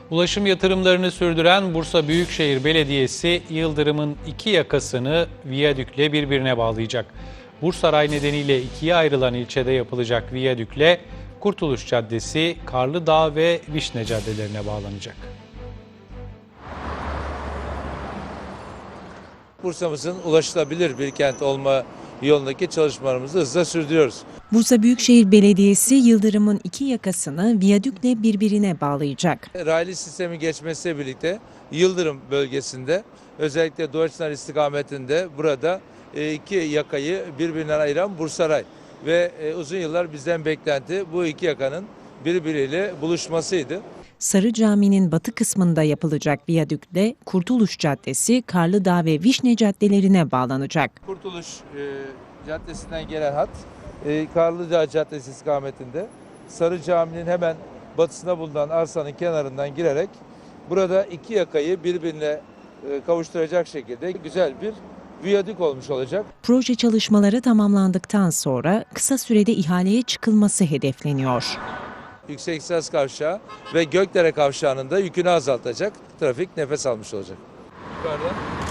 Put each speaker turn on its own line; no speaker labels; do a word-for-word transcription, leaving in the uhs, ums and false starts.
Ulaşım yatırımlarını sürdüren Bursa Büyükşehir Belediyesi, Yıldırım'ın iki yakasını viyadükle birbirine bağlayacak. Bursaray nedeniyle ikiye ayrılan ilçede yapılacak viyadükle Kurtuluş Caddesi, Karlıdağ ve Vişne caddelerine bağlanacak.
Bursa'mızın ulaşılabilir bir kent olma yolundaki çalışmalarımızı hızla sürdürüyoruz.
Bursa Büyükşehir Belediyesi, Yıldırım'ın iki yakasını viyadükle birbirine bağlayacak.
Raylı sistemi geçmesiyle birlikte Yıldırım bölgesinde, özellikle Doğuçlar istikametinde burada iki yakayı birbirinden ayıran Bursaray ve uzun yıllar bizden beklenti bu iki yakanın birbiriyle buluşmasıydı.
Sarı Cami'nin batı kısmında yapılacak viyadükle Kurtuluş Caddesi, Karlıdağ ve Vişne caddelerine bağlanacak.
Kurtuluş e, Caddesi'nden gelen hat e, Karlıdağ Caddesi istikametinde Sarı Cami'nin hemen batısında bulunan arsanın kenarından girerek burada iki yakayı birbirine e, kavuşturacak şekilde güzel bir viyadük olmuş olacak.
Proje çalışmaları tamamlandıktan sonra kısa sürede ihaleye çıkılması hedefleniyor.
Yüksek İhtisas Kavşağı ve Gökdere Kavşağı'nın da yükünü azaltacak, trafik nefes almış olacak. Yukarıda.